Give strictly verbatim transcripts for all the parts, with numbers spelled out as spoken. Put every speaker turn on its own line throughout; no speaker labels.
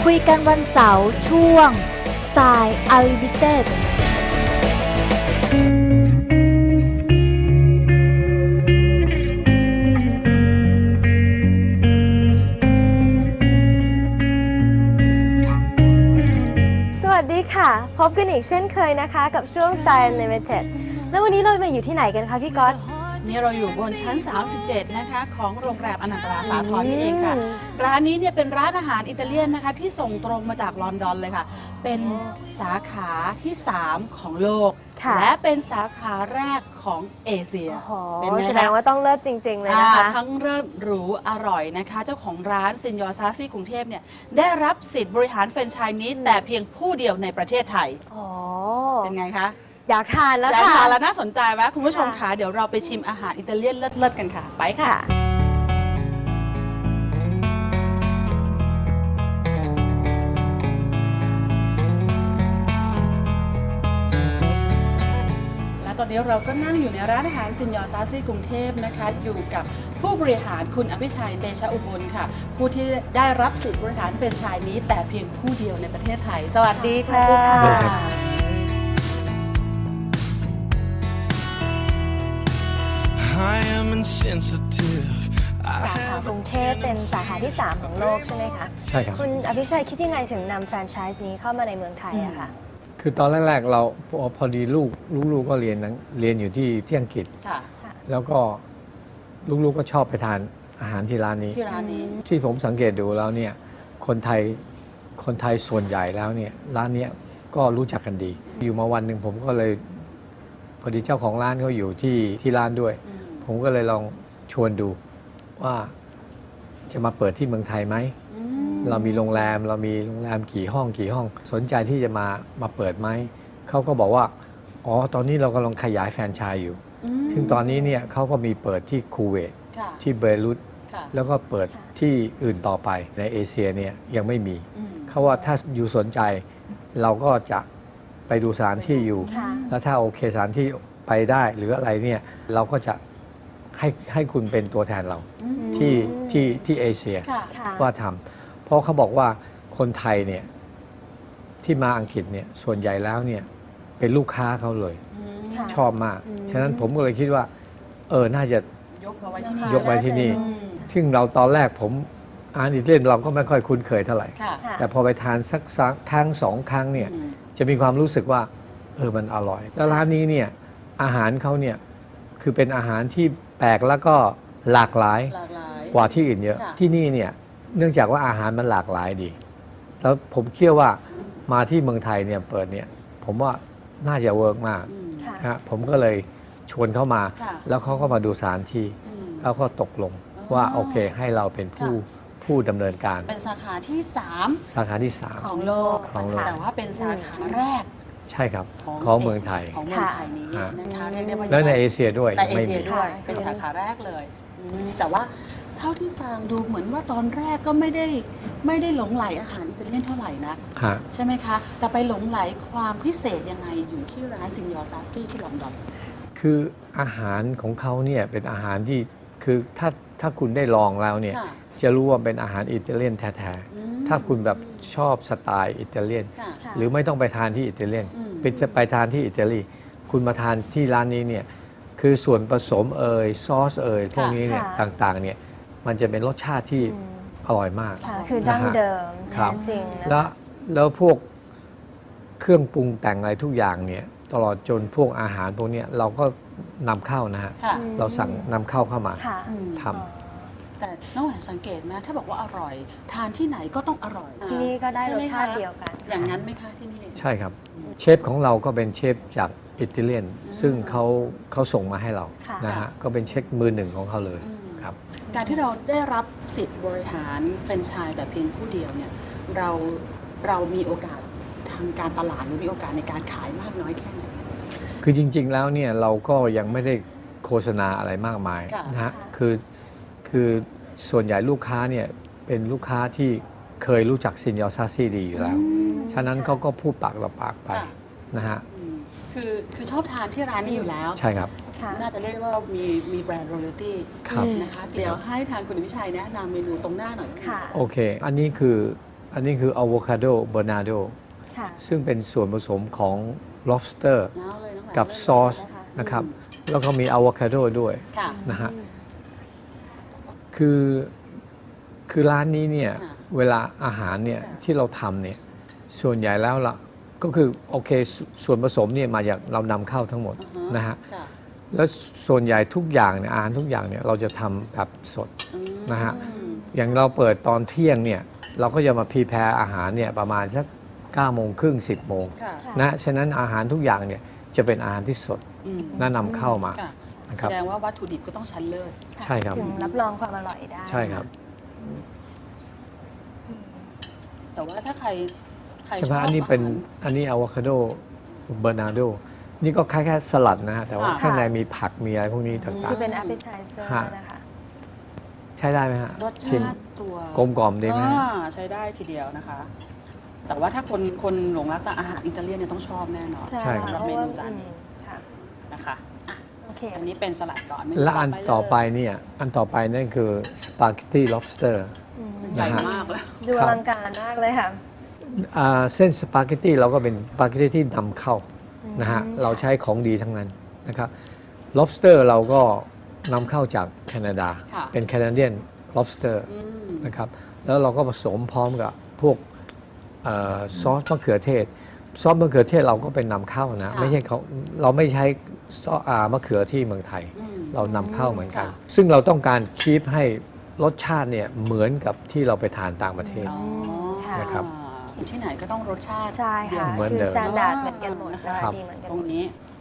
คุยกันวันเสาร์ช่วงสาย Unlimited
สวัสดีค่ะพบกันอีกเช่นเคยนะคะกับช่วง Style Unlimited แล้ววันนี้เรามาอยู่ที่ไหนกันคะพี่ก๊อต
นี่เราอยู่บนชั้นสามสิบเจ็ดนะคะของโรงแรมอนันตราสาทรนี่เองค่ะร้านนี้เนี่ยเป็นร้านอาหารอิตาเลียนนะคะที่ส่งตรงมาจากลอนดอนเลยค่ะเป็นสาขาที่สามของโลกและเป็นสาขาแรกของเอเชีย
เป็นแสดงว่าต้องเลิศจริงๆเลยนะคะ
ทั้งเลิศหรูอร่อยนะคะเจ้าของร้านซินยอร์ซาซี่กรุงเทพเนี่ยได้รับสิทธิ์บริหารแฟรนไชส์นี้แต่เพียงผู้เดียวในประเทศไทยเป็นไงคะ
อยากทานแล้วค่ะ
อยากทานแล้วน่าสนใจไหมคุณผู้ชมคะเดี๋ยวเราไปชิมอาหารอิตาเลียนเลิศๆกันค่ะไปค่ะและตอนนี้เราก็นั่งอยู่ในร้านอาหารซินยอร์ซาซี่กรุงเทพนะคะอยู่กับผู้บริหารคุณอภิชัยเตชะอุบลค่ะผู้ที่ได้รับสิทธิ์บริหารแฟรนไชส์นี้แต่เพียงผู้เดียวในประเทศไทยสวัสดีค่ะ
สาขากรุงเทพเป็นสาขาที่สามของโลกใช่ไหมคะ
ใช่ครับ
คุณอภิชัยคิดยังไงถึงนำแฟรนไชส์นี้เข้ามาในเมืองไทยอะคะ
คือตอนแรกๆเราพอดีลูกลูกๆก็เรียนเรียนอยู่ที่ที่อังกฤษแล้วก็ลูกๆก็ชอบไปทานอาหารที่ร้านนี้
ที่ร้านนี้
ที่ผมสังเกตดูแล้วเนี่ยคนไทยคนไทยส่วนใหญ่แล้วเนี่ยร้านนี้ก็รู้จักกันดีอยู่มาวันหนึ่งผมก็เลยพอดีเจ้าของร้านเขาอยู่ที่ที่ร้านด้วยผมก็เลยลองชวนดูว่าจะมาเปิดที่เมืองไทยไหมเรามีโรงแรมเรามีโรงแรมกี่ห้องกี่ห้องสนใจที่จะมามาเปิดไหมเขาก็บอกว่าอ๋อตอนนี้เรากำลังขยายแฟรนไชส์อยู่ซึ่งตอนนี้เนี่ยเขาก็มีเปิดที่คูเวตที่เบรุตแล้วก็เปิดที่อื่นต่อไปในเอเชียเนี่ยยังไม่มีเขาว่าถ้าอยู่สนใจเราก็จะไปดูสถานที่อยู่แล้วถ้าโอเคสถานที่ไปได้หรืออะไรเนี่ยเราก็จะให้ให้คุณเป็นตัวแทนเราที่ที่ที่เอเชียว่าทำเพราะเขาบอกว่าคนไทยเนี่ยที่มาอังกฤษเนี่ยส่วนใหญ่แล้วเนี่ยเป็นลูกค้าเขาเลยชอบมากฉะนั้นผมก็เลยคิดว่าเออน่าจะ
ยกมาไว้ที่นี่
ยกไว้ที่นี่ซึ่งเราตอนแรกผมอาหารอิตาเลียนเราก็ไม่ค่อยคุ้นเคยเท่าไหร่แต่พอไปทานสักครั้งสองครั้งเนี่ยจะมีความรู้สึกว่าเออมันอร่อยแล้วร้านนี้เนี่ยอาหารเขาเนี่ยคือเป็นอาหารที่แปลกแล้วก็หลากหลายกว่าที่อื่นเยอะที่นี่เนี่ยเนื่องจากว่าอาหารมันหลากหลายดีแล้วผมเชื่อว่ามาที่เมืองไทยเนี่ยเปิดเนี่ยผมว่าน่าจะเวิร์กมากฮะผมก็เลยชวนเข้ามาแล้วเขาก็มาดูสถานที่เขาก็ตกลงว่าโอเคให้เราเป็นผู้ผู้ดำเนินการ
เป็นสาขาที่สาม
สาขาที่สาม
ของโลกแต่ว่าเป็นสาขาแรก
ใช่ครับของเมืองไทย
ของเมืองไทยนี้นะคะเรียกได้ว่า
แล้วในเอเชียด้วย
ในเอเชียด้วยเป็นสาขาแรกเลยแต่ว่าเท่าที่ฟังดูเหมือนว่าตอนแรกก็ไม่ได้ไม่ได้หลงไหลอาหารอิตาเลียนเท่าไหร่นะใช่ไหมคะแต่ไปหลงไหลความพิเศษยังไงอยู่ที่ร้านซินยอร์ซาซี่ที่ลอนดอน
คืออาหารของเขาเนี่ยเป็นอาหารที่คือถ้าถ้าคุณได้ลองแล้วเนี่ยจะรู้ว่าเป็นอาหารอิตาเลียนแท้ๆถ้าคุณแบบชอบสไตล์อิตาเลียนหรือไม่ต้องไปทานที่อิตาเลียนไปจะไปทานที่อิตาลีคุณมาทานที่ร้านนี้เนี่ยคือส่วนผสมเอ่ยซอสเอ่ยพวกนี้เนี่ยต่างๆเนี่ยมันจะเป็นรสชาติที่อร่อยมาก
คือดั้งเดิมจริง
แล้วแล้วพวกเครื่องปรุงแต่งอะไรทุกอย่างเนี่ยตลอดจนพวกอาหารพวกนี้เราก็นำเข้านะฮะเราสั่งนำเข้าเข้ามาท
ำแต่น้องแหวนสังเกตไหมถ้าบอกว่าอร่อยทานที่ไหนก็ต้องอร่อย
ที่นี่ก็ได้รสชาติเดียวกัน
อย่างนั้นไหมคะที่นี่
ใช่ครับเชฟของเราก็เป็นเชฟจากอิตาเลียนซึ่งเขาเขาส่งมาให้เรานะฮะก็เป็นเชฟมือหนึ่งของเขาเลยครับ
การที่เราได้รับสิทธิ์บริหารแฟรนไชส์แต่เพียงผู้เดียวเนี่ยเราเรามีโอกาสทางการตลาดหรือมีโอกาสในการขายมากน้อยแค่ไหน
คือจริงๆแล้วเนี่ยเราก็ยังไม่ได้โฆษณาอะไรมากมายนะฮะคือคือส่วนใหญ่ลูกค้าเนี่ยเป็นลูกค้าที่เคยรู้จักซินยอร์ซาซี่ดีอยู่แล้วฉะนั้นเขาก็พูดปากต่อปากไปนะฮะ
คือคือชอบทานที่ร้านนี้อยู่แล้ว
ใช่ครับ
น่าจะเรียกได้ว่ามีมีแบรนด์ royalty นะคะเดี๋ยวให้ทางคุณวิชัยแนะนำเมนูตรงหน้าหน่อย
ค่ะโอเคอันนี้คืออันนี้คืออะโวคาโดเบอร์นาโด
ค่ะ
ซึ่งเป็นส่วนผสมของ lobster
น้าวเลยน้องแหวน
กับ
เริ่ม
ซอส
เลยนะคะ
นะครับ แล้วก็มีอะโวคาโดด้วย
ค่ะ
นะฮะคือคือร้านนี้เนี่ย
ค่ะ
เวลาอาหารเนี่ยที่เราทำเนี่ยส่วนใหญ่แล้วล่ะก็คือโอเคสส่วนผสมเนี่ยมาจากเรานำเข้าทั้งหมด
อือฮะ
นะฮะ
ค่ะ
แล้วส่วนใหญ่ทุกอย่างเนี่ยอาหารทุกอย่างเนี่ยเราจะทำแบบสด
อืม
นะฮะ อย่างเราเปิดตอนเที่ยงเนี่ยเราก็จะมาพรีแพร์อาหารเนี่ยประมาณสักเก้าโมงครึ่งสิบโมง
ค่ะ
ค่ะ
นะฉะนั้นอาหารทุกอย่างเนี่ยจะเป็นอาหารที่สด
อืม
น่านำเข้ามา
ค่ะ
นะค
แส
รับ
ดงว่าวัตถุดิบก็ต้องชั้นเลิศ
ใช่ครับ
ถึงรับรองความอร่อยได้
ใช่ครับ
แต่ว่าถ้าใครใคร
ใช่ไห
ช
ม
อบ
อันนี้เป็น
อาหาร
อันนี้อะโวคาโดเบอร์นาโดนี่ก็คล้ายๆสลัดนะฮะแต่ว่า
ค่ะ
ข้างในมีผักมีอะไรพวกนี้ต่าง
ที่เป็น appetizer
ฮะ
นะคะ
ๆ ใช้ได้ไหมฮะ
รส
ชิม
ชาติตัว
กลมกล่อมดีไหมฮะ
อ่าใช้ได้ทีเดียวนะคะ แต่ว่าถ้าคนคนหลงรักแต่อาหารอิตาเลียนเนี่ยต้องชอบแน่นอน
ใช่
ใช่ครับ
สำหรับ
เพ
เม
ราะว่า
นูจานนี้
อืมค่ะ
นะคะอ่ะ
โอเค
อันนี้เป็นสลัดก่อนเมนู
และอันต่อไป
เลย
เนี่ยอันต่อไปนั่นคือสปาเกตตี้ lobster
อืม
ใหญ่
นะฮะ
มากเลย
ดูอลังการมากเลยค่ะ
อ่าเส้นสปาเกตตี้เราก็เป็นสปาเกตตี้ที่นำเข้านะฮะเราใช้ของดีทั้งนั้นนะครับ lobster เราก็นำเข้าจากแคนาดา
ค่ะ
เป็นแคนาเดียน lobster
อืม
นะครับแล้วเราก็ผสมพร้อมกับพวกเออซอสมะเขือเทศ ซอสมะเขือเทศเราก็เป็นนำเข้านะ
ค่ะ
ไม่ใช่เขาเราไม่ใช้ซอสอ่ามะเขือที่เมืองไทย
อืม
เรานำเข้าเหมือนกัน
ค่ะ
ซึ่งเราต้องการคีปให้รสชาติเนี่ยเหมือนกับที่เราไปทานต่างประเทศ
อ๋อ
ค่ะ
นะครับ
ที่ไหนก็ต้องรสชาติ
ใช่ค่ะ
เหมือน
คือ
เดิม
สแตนดาร์ดเหมือนกันหมดนะคะ
ครับ
ดีเหมือนกัน
ต
ห
ร
ม
ง
ด
นี้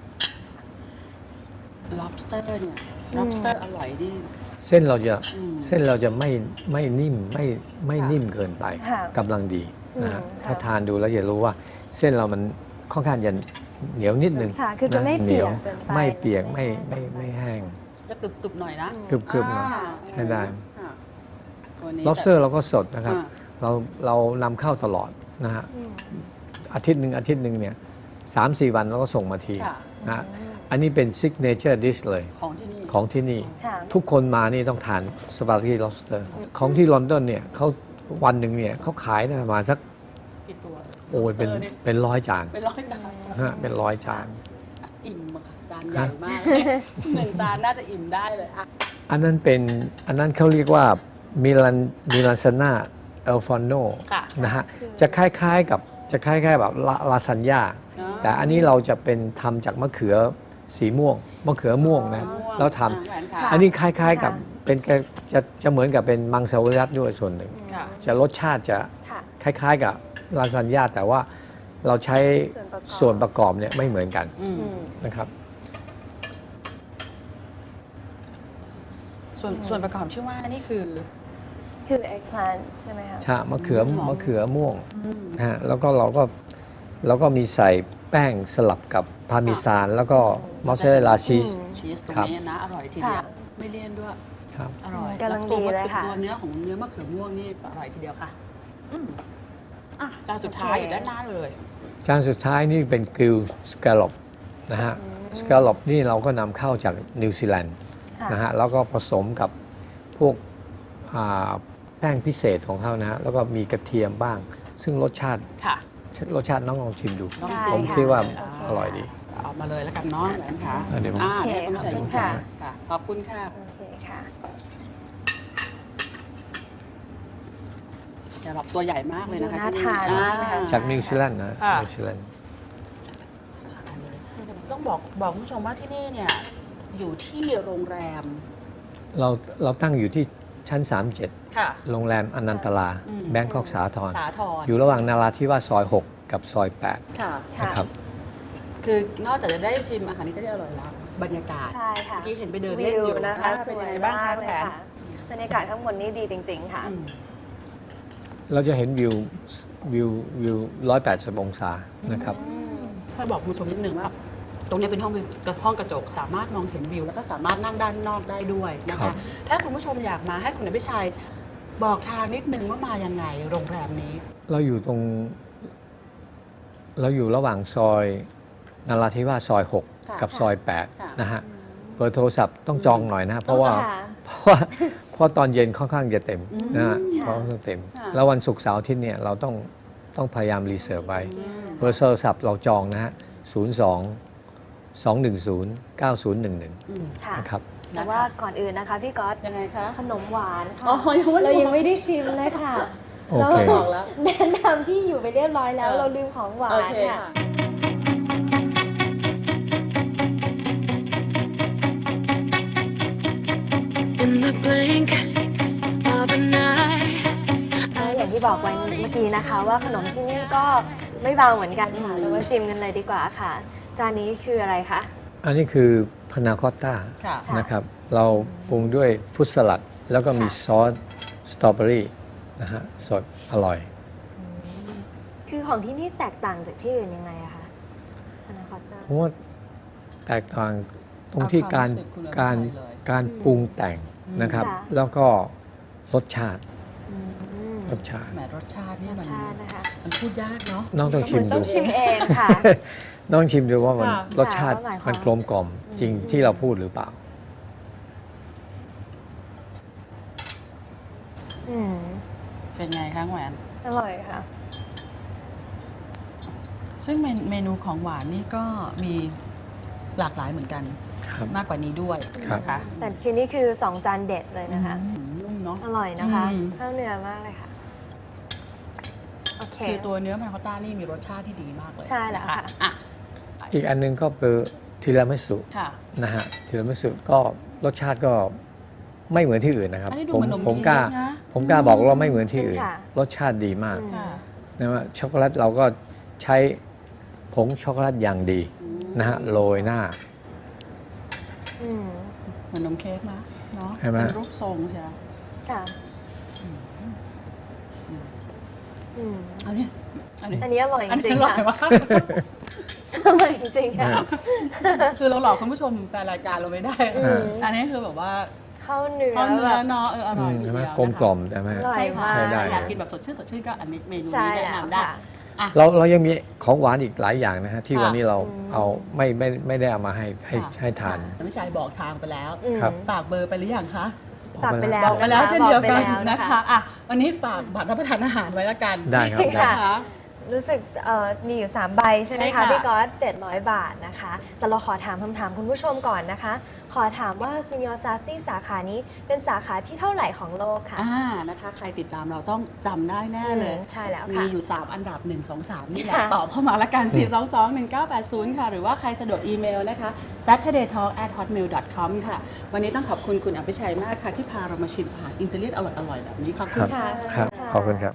lobster เนี่ย lobster อร่อยดิ
เส้นเราจะ
อืม
เส้นเราจะไม่ไม่นิ่มไม่ไม่
ค่ะ
นิ่มเกินไป
ค่ะ
กำลังดีนะฮะ
อืม
ถ้า
ค่ะ
ทานดูแล้วจะรู้ว่าเส้นเรามันค่อนข้างจะเหนียวนิดนึง
ค่ะ คือจะไม่
น
เปียก
หนีว
เกินไป
ไม่เปียกไม่
ไม่
ไม่
แห้ง
ไม่แห้ง
จะกรึบๆหน่อยนะ
กรึบๆหน่อย
อ่า
ใช้ได้
อ่าตัวนี้
lobster เราก็สดนะครับ
อ่า
เราเรานำเข้าตลอดนะฮะ
อืม
อาทิตย์หนึ่งอาทิตย์หนึ่งเนี่ยสามสี่วันเราก็ส่งมาที
ค่ะ
นะฮะอันนี้เป็น signature dish เลย
ของที่นี่
ของที่นี่
ค่ะ
ทุกคนมานี่ต้องทานสปาเกตตี้ lobster ของที่ลอนดอนเนี่ยเขาวันหนึ่งเนี่ยเขาขายได้ประมาณสัก
กี่ตัว
โอ้ยเป็น
lobster ย
เป็นร้อยจาน
เป็นร้อยจาน
ฮะเป็นร้อยจาน
อิ่มอะค่ะจานใหญ่มาก หนึ่งจานน่าจะอิ่มได้เลยอ่ะ
อันนั้นเป็นอันนั้นเขาเรียกว่ามิลันมิลานซาน่าเอลฟอนโน
ค่ะ
นะฮะจะคล้ายๆกับจะคล้ายๆแบบลาลาซานญ่า
อ๋อ
แต่อันนี้เราจะเป็นทำจากมะเขือสีม่วงมะเขือม่วงนะ
ม่วง
แล้วท
อ่ะแหวนค่ะ
ำอันนี้คล้ายๆกับเป็นแกจะจะเหมือนกับเป็นมังสวิรัติด้วยส่วนหนึ่ง
ค่ะ
จะรสชาติจะ
ค่ะ
คล้ายๆกับลาซานญ่าแต่ว่าเราใช้
ส่วนประกอบ
ส่วนประกอบเนี่ยไม่เหมือนกัน
อืม
อืม
นะครับ
ส่วนส่วนประกอบที่ว่านี่คือ
คือ eggplant ใช่ไหมคะ
ชามะเขือ
หอม
มะเขือม่วง
อืม
นะฮะแล้วก็เราก็เราก็มีใส่แป้งสลับกับพาร์เมซานแล้วก็มอสซาเรลลาชีส
ชีสตรง
ครับ
นี้นะ อร่อยทีเดียว
ค่ะ
ไม่เลี่ยนด้วย
ครับ
อร่อย
กำลัง
แวตัว
ดีเลยค่ะ
ตัวเนื้อของเนื้อมะเขือม่วงนี่อร่อยทีเดียวค่ะอืมอ่ะจานสุดท้ายอยู่ด้านหน้าเลย
จานสุดท้ายนี่เป็นกริลสแกลลอปนะฮะสแกลลอปนี่เราก็นำเข้าจากนิวซีแลนด์
ค่ะ
นะฮะแล้วก็ผสมกับพวกอ่าแป้งพิเศษของเขานะฮะแล้วก็มีกระเทียมบ้าง ซึ่งรสชาติ
ค่ะ
รสชาติน้องลองชิมดู
น้อง
ได้
ชิ
ผม
ค่ะ
คิดว่า
โอเค
อร่อยดี
เอามาเลยแล้วกันเน้องแหวนค่ะ
อ่ะเดี๋ยวผม
อ่า
โอเค
เดี๋ยวคุณผู้ชาย
ขอบคุณ
ค่ะ
ค่ะ
ค่ะขอบคุณค่ะ
โอเคค่ะ
สแกลล็อปตัวใหญ่มากเลยนะคะ
ดูน่า
ที่
ทานมากเลยค่ะ
อ่
จากนิวซีแลนด์นะ
ค่ะ
นิวซีแลนด์
ต้องบอกบอกคุณผู้ชมว่าที่นี่เนี่ยอยู่ที่โรงแรม
เราเราตั้งอยู่ที่ชั้น สามสิบเจ็ด
ค่ะ
โรงแรมอนันตลา
อืม
แบงคอกสาทร
สาทร
อยู่ระหว่างนาราธิวาสซอย หก กับซอย แปด
ค่ะ
ค่ะ
นะครับ
คือนอกจากจะได้ชิมอาหารนี้ก็ได้อร่อยแล้วบรรยากาศ
ใช่ค่ะ
เมื่อกี้เห็นไปเดินเล่นอยู่
วิวนะคะ
อ่า
ส
เป็น
ว
ยัง
ย
ไงบ้าง
มา
คะ
กเลย
แผน
ค่ะบรรยากาศข้างบนนี่ดีจริง ๆ ค่ะ
อืม
เราจะเห็นวิววิววิวหนึ่งร้อยแปดสิบองศานะครับ
ถ้าบอกคุณผู้ชมนิดนึงว่า ตรงนี้เป็นห้องวิวกระห้องกระจกสามารถมองเห็นวิวแล้วก็สามารถนั่งด้านนอกได้ด้วยนะ
ครั
คะ
บ
ถ้าคุณผู้ชมอยากมาให้คุณอภิชัยบอกทางนิดนึงว่ามายังไงโรงแรมนี้
เราอยู่ตรง เราอยู่ระหว่างซอยนาราธิวาสซอย หก
ค่ะ
กับซอย แปด
ค่ะ
นะฮะเบอร์โทรศัพท์ต้องจองหน่อยนะ เพราะว่า
ค่ะ
เพราะว่าเพราะตอนเย็นค่อนข้างจะเต็ม
อืม
นะฮะ
ค่ะ
ค่อนข้างเต็ม
ค่ะ
แล้ววันศุกร์เสาร์อาทิตย์เนี่ยเราต้องต้องพยายามรีเซิร์ฟไว้เบอร์โทรศัพท์เราจองนะฮะศูนย์ สอง สอง หนึ่ง ศูนย์ เก้า ศูนย์ หนึ่ง หนึ่ง
อืม
ค่ะ
นะครับ
แต่ว่าก่อนอื่นนะคะพี่ก๊อต
ยังไงคะ
ขนมหวานค่ะ
อ๋อยังไม่
เรายังไม่ได้ชิมเลยค่ะ
โอเค
เรา
บอกแล้ว
แนะนำที่อยู่ไปเรียบร้อยแล้ว
เออ
เราลืมของหวา
โอน เค
ค่ะ
ค่ะ
In the blink of an eye
อย่างที่บอกไว้เมื่อกี้นะคะ ว่าขนมที่นี่ก็ไม่เบาเหมือนกันค่ะเรามาชิมกันเลยดีกว่าค่ะ จานนี้คืออะไรคะ
อันนี้คือพานาคอตต้า
ค่ะ
นะครับ เราปรุงด้วยฟรุตสลัด แล้วก็มีซอสสตรอเบอรี่นะฮะสดอร่อย
คือของที่นี่แตกต่างจากที่อื่นยังไงอะคะพานาคอตต้า
ผมว่าแตกต่างตรงที่การ
เอาความรู้สึกคุณอภิชัย
การ
เลย
การปรุงแต่งนะครับ
ค่ะ
แล้วก็รสชาติ
อืม
รสชาติ
แหมรสชาตินี่
รส
มัน
ชาตินะคะ
มันพูดยากเนาะ
น้องต้องชิม
ต้
ดู
องชิมเองค่ะ
น้องชิมดูว่ามัน
ค่ะ
รสชาติ
ว่าหมายความ
มันกลมกล่อมจริงที่เราพูดหรือเปล่า
อืม
เป็นไงคะแหวน
อร่อยค่ะ
ซึ่งเมนเมนูของหวานนี่ก็มีหลากหลายเหมือนกัน
ครับ
มากกว่านี้ด้วย
ครับ
นะคะ
แต่คือนี่คือสองจานเด็ดเลยนะคะ
อืมนุ่มเนาะ
อร่อยนะคะ
อืม
เข้าเนื้อมากเลยค่ะ โอเค
คือตัวเนื้อมันคอตต้านี่มีรสชาติที่ดีมากเลย
ใช่แล้ว
น
ค่ะ
อ่ะ
อีกอันหนึงก็คือทีรามิสุ
ค่ะ
นะฮะทีรามิสุก็รสชาติก็ไม่เหมือนที่อื่นนะครับ
อันนี้ดู
ผม
เหมือนนม
ผมกล้า
เค้กนะ
ผมกล้าบอกว่าไม่เหมือนที่อื่น
ค่ะ
รสชาติดีมาก
อืม
ค่ะ
นะว่าช็อกโกแลตเราก็ใช้ผงช็อกโกแลตอย่างดีนะฮะโรยหน้า
อืม
เหมือนนมเค้กนะเนาะ
ใช่ไหม
เป็นรูปทรงใช่ไหม
ค่ะอืม
เอาเนี่ยอันนี้
อันนี้อร่อยจ
อัน
ริ
นี้
ง
อ
ๆ
ร่อ
ค่ะ
ยมาก
อร่อยจริงๆค่ะ
คือเราหลอกคุณผู้ชมแฟนรายการเราไม่ได้
อืม
อันนี้คือแบบว่า
เข้าเนื้อ
ข้าวเนื้
แบ
อบ เนาะเอออร่อย
ใช่ไหม
ทีเดียว
กลมกล่อม
นะคะ
ใช่ไหม
อร่อย
ใช่ค่ะ
มาก
ได้
อยากกินแบบสดชื่นสดชื่นก็อันนี้เมนู
ใช่
นี้แนะ
แล้ว
นำได้
ค่ะ
อ่ะ
เราเรายังมีของหวานอีกหลายอย่างนะฮะที่
ค่ะ
วันนี้เรา
อืม
เอาไม่ไม่ไม่ได้เอามาให้ให้
ค่ะ
ให้ทาน
แต่พี่ชายบอกทางไปแล้ว
อืม
ครับ
ฝากเบอร์ไปหรือยังคะ
ฝากไปแล้ว
บอกไปแล้วเช่นเดียวกัน
บอกไปแล้ว
นะคะอ่ะวันนี้ฝากบัตรรับประทานอาหารไว้ละกัน
ได้ครับได้
นะคะ
รู้สึกเอ่อมีอยู่ สาม ใบใช่ไหม
ใช่
คะ
ค่ะ
พี่ก๊อตเจ็ดร้อยบาทนะคะ แต่เราขอถามคำถามคุณผู้ชมก่อนนะคะ ขอถามว่าซินยอซาซี่สาขานี้เป็นสาขาที่เท่าไหร่ของโลกคะ
อ่านะคะ ใครติดตามเราต้องจำได้แน่เลย
อืมใช่แล้ว
มี
ค่ะ
อยู่ สาม อันดับ หนึ่ง สอง สาม นี่แหละ
ค่ะ
ตอบเข้ามาละกัน สี่ สอง สอง หนึ่ง เก้า แปด ศูนย์ ค่ะ หรือว่าใครสะดวกอีเมลนะคะ saturday talk at hotmail dot com ค่ะ วันนี้ต้องขอบคุณคุณอภิชัยมากค่ะ ที่พาเรามาชิมอาหารอิตาเลียนอร่อยๆแบบนี้ขอบคุณค่ะ
ครับขอบคุณครับ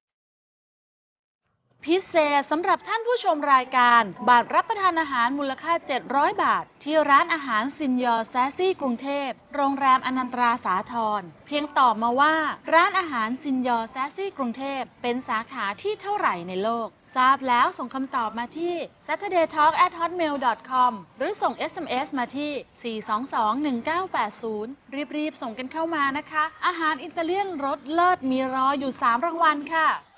พิเศษสำหรับท่านผู้ชมรายการบัตรรับประทานอาหารมูลค่า เจ็ดร้อย บาท ที่ร้านอาหารซินยอแซซี่กรุงเทพ โรงแรมอนันตราสาทรเพียงตอบมาว่า ร้านอาหารซินยอแซซี่กรุงเทพเป็นสาขาที่เท่าไหร่ในโลก ทราบแล้วส่งคำตอบมาที่ saturday talk at hotmail dot com หรือส่ง เอส เอ็ม เอส มาที่ สี่ สอง สอง หนึ่ง เก้า แปด ศูนย์ รีบๆ ส่งกันเข้ามานะคะ อาหารอิตาเลียนรสเลิศมีรออยู่ สาม รางวัลค่ะ